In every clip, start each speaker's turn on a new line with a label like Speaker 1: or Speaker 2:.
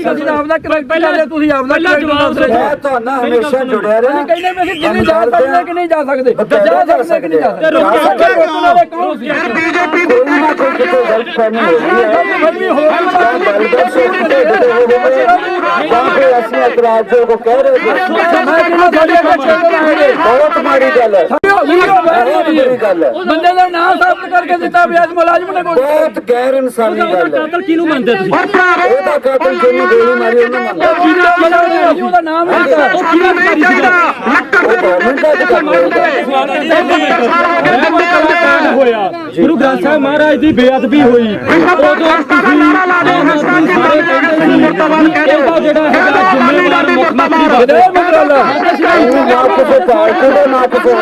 Speaker 1: ਅਸੀਂ ਆਪਦਾ ਕਰੈਕਟਰ ਲੈ ਤੁਸੀਂ ਆਪਦਾ ਜਵਾਬ ਦਿਓ।
Speaker 2: ਮੈਂ ਤੁਹਾਨੂੰ ਹਮੇਸ਼ਾ ਜੁੜਿਆ ਰਿਹਾ।
Speaker 1: ਕਹਿੰਦੇ ਵੀ ਅਸੀਂ ਜਿੰਨੀ ਜਾ ਸਕਦੇ ਕਿ ਨਹੀਂ ਜਾ ਸਕਦੇ, ਜਾ ਸਕਦੇ ਕਿ ਨਹੀਂ ਜਾ ਸਕਦੇ।
Speaker 2: ਬੀਜੇਪੀ ਕੋਈ ਨਾ ਕੋਈ ਕਿਤੇ ਗਲਤਫਹਿਮੀ ਹੋ ਰਹੀ ਹੈ ਜਾਂ ਫਿਰ ਅਸੀਂ ਇਤਰਾਜ਼ੋਂ ਕੋ ਕਹਿ ਰਹੇ ਬਹੁਤ ਮਾੜੀ ਗੱਲ ਹੈ,
Speaker 1: ਬੰਦੇ ਦਾ ਨਾਮ ਸਾਬਤ ਕਰਕੇ ਦਿੱਤਾ ਵੀ ਅੱਜ ਮੁਲਾਜ਼ਮ ਨੇ
Speaker 2: ਬਹੁਤ ਗੈਰ ਇਨਸਾਨੀ ਗੱਲ ਹੈ।
Speaker 1: ਕਾਤਲ ਕਿਹਨੂੰ ਮੰਨਦੇ ਤੁਸੀਂ?
Speaker 2: ਉਹਦਾ ਕਾਤਲ ਜਿਹਨੂੰ ਗੋਲੀ ਮਾਰੀ ਉਹਨੂੰ ਮੰਨਦਾ,
Speaker 1: ਉਹਦਾ ਨਾਮ ਹੈ ਉਹ ਕਿਹਨੂੰ ਮਾਰੀ ਸੀ? ਹੋਇਆ ਗੁਰੂ ਗ੍ਰੰਥ ਸਾਹਿਬ ਮਹਾਰਾਜ ਦੀ ਬੇਅਦਬੀ ਹੋਈ, ਉਦੋਂ ਤੁਸੀਂ ਸਾਰੇ ਕਹਿੰਦੇ ਸੀ ਇਹਦਾ ਜਿਹੜਾ ਹੈਗਾ ਜ਼ਿੰਮੇਵਾਰ ਮੁੱਖ ਮੰਤਰੀ
Speaker 2: ਨਾ ਕਿਸੇ ਪਾਰਟੀ ਦਾ ਨਾ ਕਿਸੇ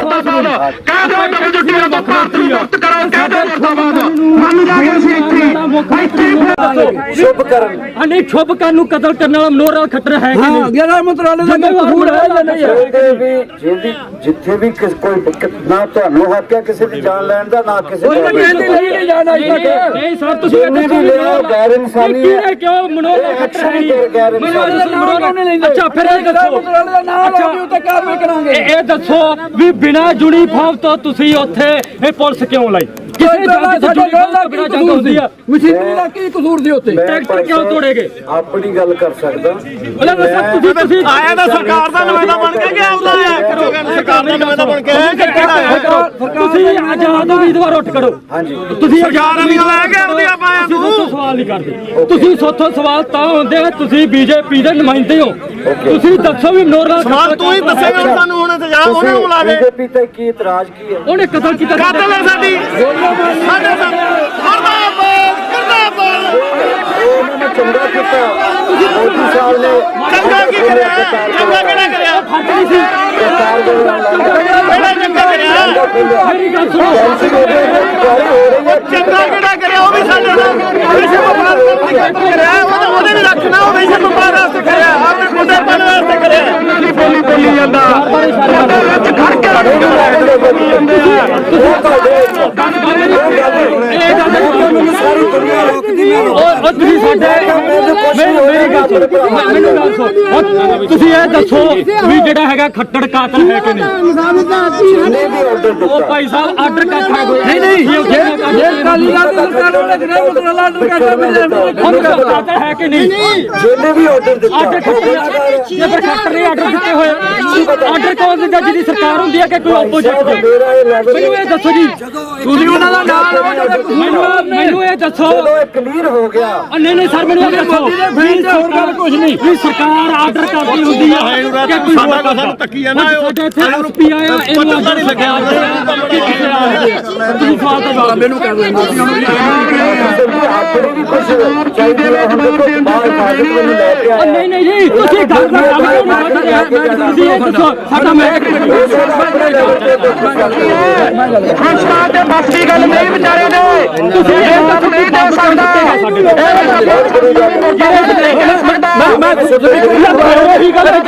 Speaker 2: ਸ਼ੁਭ ਕਰਨ
Speaker 1: ਨਹੀਂ ਸ਼ੁਭ ਕਰਨ ਨੂੰ ਕਤਲ ਕਰਨ ਵਾਲਾ ਮਨੋਹਰ ਖੱਟਰ ਹੈ ਕਿ ਨਹੀਂ? ਜਿਹੜਾ ਮੰਤਰਾਲੇ ਦਾ ਕਸੂਰ ਹੈ ਜਾਂ ਨਹੀਂ ਹੈ?
Speaker 2: ਜਿੱਥੇ ਵੀ ਕੋਈ ਨਾ ਤੁਹਾਨੂੰ ਹੱਕ ਹੈ ਕਿਸੇ ਦੀ ਜਾਨ ਲੈਣ ਦਾ, ਨਾ ਕਿਸੇ
Speaker 1: ਨਹੀਂ ਜਾਣਾ ਨਹੀਂ ਸਰ ਤੁਸੀਂ
Speaker 2: ਗੈਰ ਇਨਸਾਨੀ
Speaker 1: ਹੈ। ਕਿਉਂ ਮਨੋਹਰ ਖੱਟਰ ਹੈ? ਅੱਛਾ ਫਿਰ ਇਹ ਦੱਸੋ ਇਹ ਦੱਸੋ ਵੀ ਬਿਨਾਂ ਯੂਨੀਫਾਰਮ ਤੋਂ ਤੁਸੀਂ ਉੱਥੇ ਇਹ ਪੁਲਿਸ ਕਿਉਂ ਲਾਈ? ਕਿਸੇ ਜੰਗ ਹੁੰਦੀ ਆ ਮਸ਼ੀਨਰੀ ਦਾ ਕੀ ਕਸੂਰ ਸੀ ਉੱਥੇ? ਟਰੈਕਟਰ ਕਿਉਂ ਤੋੜੇਗੇ?
Speaker 2: ਆਪਣੀ ਗੱਲ ਕਰ ਸਕਦਾ।
Speaker 1: ਤੁਸੀਂ
Speaker 3: ਆਇਆ ਤਾਂ ਸਰਕਾਰ ਦਾ ਨੁਮਾਇੰਦਾ ਬਣ ਕੇ ਗਿਆ ਉਹਦਾ ਆਇਆ ਕਰੋਗੇ ਸਰਕਾਰ ਦਾ ਨੁਮਾਇੰਦਾ ਬਣ ਕੇ
Speaker 1: ਤੁਸੀਂ ਆਜ਼ਾਦ ਉਮੀਦਵਾਰ ਉੱਠ ਕਰੋ।
Speaker 2: ਹਾਂਜੀ
Speaker 1: ਤੁਸੀਂ
Speaker 3: ਸਰਕਾਰ ਨਹੀਂ ਲੈ ਕੇ ਆਉਂਦੀ ਆਪਾਂ
Speaker 1: ਤੁਸੀਂ ਸਵਾਲ ਨਹੀਂ ਕਰਦੇ। ਤੁਸੀਂ ਸੋਥੋਂ ਸਵਾਲ ਤਾਂ ਹੁੰਦੇ ਆ ਤੁਸੀਂ ਬੀਜੇਪੀ ਦੇ ਨੁਮਾਇੰਦੇ ਹੋ। ਤੁਸੀਂ ਦੱਸੋ ਵੀ ਮਨੋਹਰ
Speaker 3: ਸਵਾਲ ਤੂੰ ਹੀ ਦੱਸੇਗਾ ਸਾਨੂੰ ਹੁਣ ਤੇ ਜਾ ਉਹਨਾਂ ਨੂੰ ਬੁਲਾ ਦੇ।
Speaker 2: ਬੀਜੇਪੀ ਤੇ ਕੀ ਇਤਰਾਜ਼ ਕੀ ਹੈ?
Speaker 1: ਉਹਨੇ ਕਤਲ ਕੀਤਾ।
Speaker 3: ਕਾਤਲ ਹੈ ਸਾਡੀ ਸਾਡੇ ਮਰਦਾਬਾਦ ਮਰਦਾਬਾਦ।
Speaker 2: ਉਹਨਾਂ ਨੇ ਚੰਗਾ ਕੀਤਾ ਮੋਦੀ ਸਾਹਿਬ ਨੇ।
Speaker 3: ਚੰਗਾ ਕੀ ਕਰਿਆ? ਚੰਗਾ ਕਿਹੜਾ ਕਰਿਆ?
Speaker 1: ਫੱਟੀ ਸੀ
Speaker 2: ਸਰਕਾਰ ਦੇ
Speaker 3: ਕਿਹੜਾ ਚੰਗਾ ਕਰਿਆ?
Speaker 1: ਮੇਰੀ ਗੱਲ ਸੁਣੋ।
Speaker 3: ਚੰਗਾ ਕਿਹੜਾ ਕਰਿਆ? ਉਹ ਵੀ ਸਾਡੇ ਨਾਲ ਵਿਸ਼ੇ ਵਪਾਰ ਕਰਿਆ, ਉਹਨੇ ਵੀ ਰੱਖਣਾ। ਉਹ ਵਿਸ਼ੇ ਵਪਾਰ ਵਾਸਤੇ ਕਰਿਆ, ਆਪਣੇ ਮੁੰਡੇ ਬਣ ਵਾਸਤੇ ਕਰਿਆ। ਬੋਲੀ ਬੋਲੀ ਜਾਂਦਾ ਖੜ ਕੇ
Speaker 2: ਸਾਰੀ ਦੁਨੀਆ ਰੋਕਦੀ ਹੈ।
Speaker 1: ਉਹ ਤੁਸੀਂ ਸਾਡੇ ਮੇਰੀ ਗੱਲ ਸੁਣੋ, ਮੈਨੂੰ ਗੱਲ ਸੁਣੋ। ਤੁਸੀਂ ਇਹ ਦੱਸੋ ਵੀ ਜਿਹੜਾ ਹੈਗਾ ਖੱਟੜ ਕਾਤਲ ਹੈ ਕਿ ਨਹੀਂ? ਉਹ ਭਾਈ ਸਾਹਿਬ ਆਰਡਰ ਕਰਤਾ ਨਹੀਂ ਇਹ ਕਾਲੀ ਦਾ ਸਰਕਾਰ ਵਾਲੇ ਜਿਹੜਾ ਮਸਲਾ ਆਰਡਰ ਕਰਤਾ ਕਾਤਲ ਹੈ ਕਿ ਨਹੀਂ?
Speaker 2: ਜਿਹਨੇ ਵੀ ਆਰਡਰ ਦਿੱਤਾ
Speaker 1: ਆਰਡਰ ਜੇ ਫਿਰ ਖੱਟੜ ਨੇ ਆਰਡਰ ਦਿੱਤੇ ਹੋਏ ਆਰਡਰ ਕੌਣ ਦਿੰਦਾ? ਜਿਹਦੀ ਸਰਕਾਰ ਹੁੰਦੀ ਹੈ ਕਿ ਕੋਈ ਆਪੋਜੀਟ? ਮੈਨੂੰ ਇਹ ਦੱਸੋ ਜੀ, ਤੁਸੀਂ ਉਹਨਾਂ ਦਾ ਨਾਮ ਮੈਨੂੰ ਇਹ ਦੱਸੋ।
Speaker 2: ਇਹ ਕਲੀਅਰ ਹੋ ਗਿਆ।
Speaker 1: ਨਹੀਂ ਸਰ ਮੈਨੂੰ ਇਹ ਦੱਸੋ ਵੀ ਸਰਕਾਰ ਕੁਝ ਨਹੀਂ ਵੀ ਸਰਕਾਰ ਆਰਡਰ ਕਰਦੀ ਹੁੰਦੀ ਹੈ ਕਿ ਕੋਈ
Speaker 3: ਸਾਡਾ ਕੋ ਸਾਨੂੰ ਤੱਕੀ ਜਾਂਦਾ
Speaker 1: ਸਾਡੇ ਇੱਥੇ ਆਰੋਪੀ ਆਇਆ ਇਹਨੂੰ ਆਰਡਰ ਨਹੀਂ ਲੱਗਿਆ। ਤੁਸੀਂ ਸਵਾਲ ਦਾ ਜਵਾਬ ਮੈਨੂੰ ਕਰ ਦਿਓ।
Speaker 2: ਆਪਣੇ ਵੀ ਕੁਝ ਚਾਹੀਦੀ ਹੈ ਹੁਣ ਦੇਖੋ ਬਾਹਰ ਫਾਜ਼ਿਲ ਨੂੰ ਲੈ ਕੇ ਆਇਆ।
Speaker 1: ਨਹੀਂ ਜੀ ਤੁਸੀਂ ਗੱਲ ਕਰ ਰਹੇ ਹੋ। ਤੁਸੀਂ ਇਹ ਦੱਸੋ ਸਾਡਾ ਮੈਂ
Speaker 3: ਹਸਪਤਾਲ ਦੇ ਬੱਸ ਦੀ ਗੱਲ ਨਹੀਂ ਵਿਚਾਰੇ ਨੇ।
Speaker 1: ਤੁਸੀਂ ਇਹ ਦੱਸੋ ਕਿ
Speaker 3: ਦੇ ਸਕਦਾ
Speaker 1: ਮੈਂ ਉਹੀ ਗੱਲ ਹੈ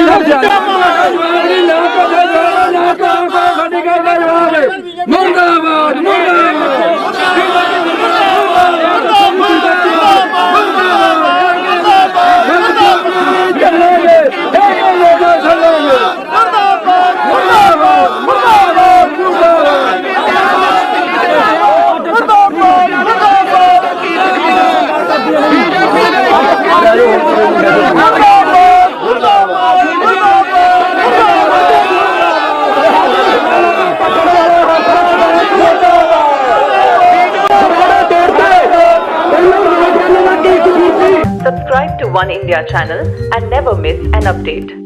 Speaker 1: ਮੁਰਦਾਬਾਦ
Speaker 4: Subscribe to One India channel and never miss an update.